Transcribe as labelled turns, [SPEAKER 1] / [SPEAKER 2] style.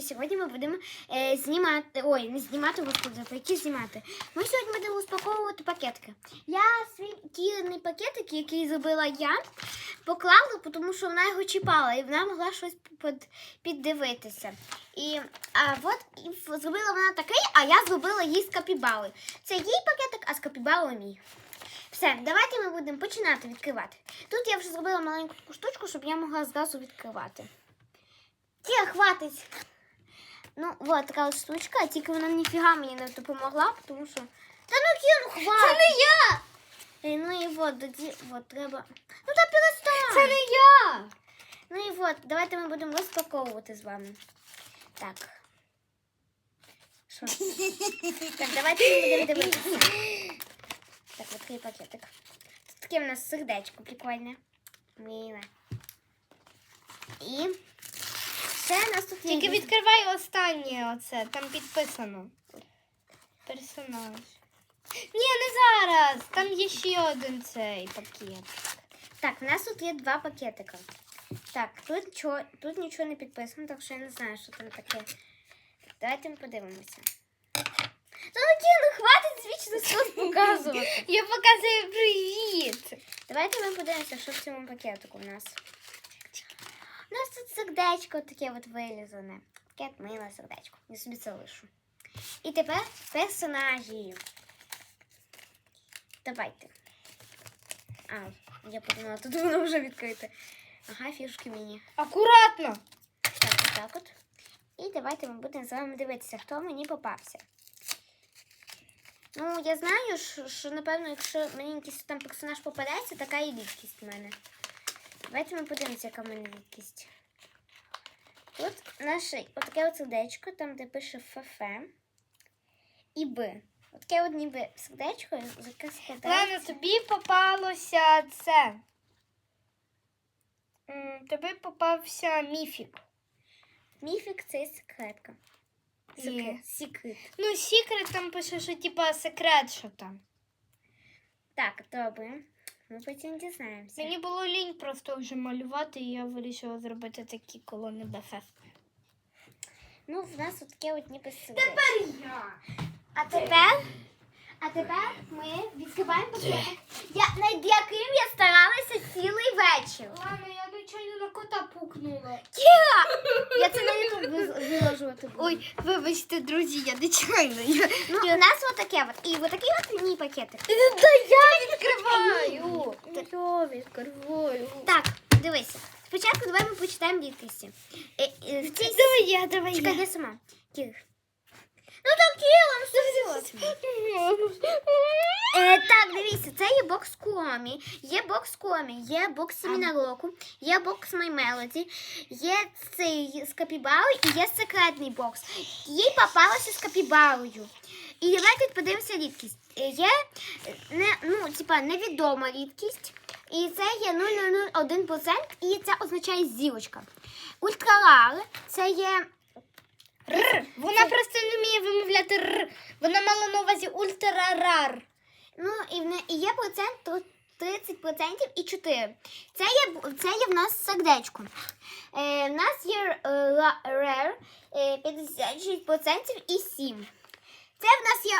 [SPEAKER 1] сьогодні ми будемо знімати, не знімати, господи, які знімати. Ми сьогодні будемо розпаковувати пакетики. Я свій кілений пакетик, який зробила я, поклала, тому що вона його чіпала і вона могла щось піддивитися. Зробила вона такий, а я зробила їй з капібали. Це їй пакетик, а з капібалою мій. Все, давайте ми будемо починати відкривати. Тут я вже зробила маленьку таку штучку, щоб я могла зразу відкривати. Хватить. Ну, от така от штучка, тільки вона ніфіга мені не допомогла, тому що... хватить!
[SPEAKER 2] Це не я!
[SPEAKER 1] Ну і от треба... Ну та перестань!
[SPEAKER 2] Це не я!
[SPEAKER 1] Ну і от, давайте ми будемо розпаковувати з вами. Так. Що? Так, давайте ми будемо дивитися. Так, відкрий пакетик. Тут таке в нас сердечко прикольне. Миле. І ще у нас тут є...
[SPEAKER 2] Тільки відкривай останнє оце, там підписано. Персонаж. Ні, не зараз. Там є ще один цей пакет.
[SPEAKER 1] Так, в нас тут є два пакетика. Так, тут нічого не підписано, так що я не знаю, що там таке. Давайте ми подивимося. Хватить звічно щось показувати.
[SPEAKER 2] Я показую привіт.
[SPEAKER 1] Давайте ми подивимося, що в цьому пакетику в нас. У нас тут сердечко таке от вилізане. Таке миле сердечко. Я собі це лишу. І тепер персонажі. Давайте. Я подумала, тут воно вже відкрите. Ага, фішки міні.
[SPEAKER 2] Акуратно.
[SPEAKER 1] Так, отак от. І давайте ми будемо з вами дивитися, хто мені попався. Ну, я знаю, що напевно, якщо мені якийсь там персонаж попадається, така і рідкість в мене. Давайте ми подивимося, яка в мене рідкість. Тут наше отаке от сердечко, там де пише ФФ і Б. Отаке от ніби сердечко, яке складається.
[SPEAKER 2] Лена, тобі попалося це. Тобі попався міфік.
[SPEAKER 1] Міфік – це секретка. Секрет.
[SPEAKER 2] Ну, секрет там пише, що типа секрет, що там.
[SPEAKER 1] Так, добре. Ми потім дізнаємося.
[SPEAKER 2] Мені було лінь просто вже малювати, і я вирішила зробити такі колони БФФ.
[SPEAKER 1] Ну, в нас таке от ніби сердечко.
[SPEAKER 2] Тепер я.
[SPEAKER 1] А тепер ми відкриваємо пакетик, над яким я старалася цілий вечір.
[SPEAKER 2] Ладно, я нечайно на кота пукнула.
[SPEAKER 1] Я це на YouTube виложувати буду.
[SPEAKER 2] Ой, вибачте, друзі, я нечайно.
[SPEAKER 1] Ну, у нас отаке от. І отакий от мій пакетик.
[SPEAKER 2] Та я відкриваю. Я відкриваю.
[SPEAKER 1] Так, дивися. Спочатку давай ми почитаємо рідкості.
[SPEAKER 2] Давай я.
[SPEAKER 1] Чекай, я сама. Кір. Ну так, Кіра, ну що? Так, дивіться, це є бокс Куомі, є бокс Семіна Року, є бокс My Melody, є цей з капібарою і є секретний бокс. Їй попалося з капібарою. І давайте подивимося рідкість. Є невідома рідкість, і це є 0,001%, і це означає зірочка. Ультрарар, це є...
[SPEAKER 2] Вона просто не вміє вимовляти р. Вона мала на увазі ультрарар.
[SPEAKER 1] Ну, і є процент тут 30% і 4. Це є в нас сердечко. В нас є rare 56% і 7. Це в нас є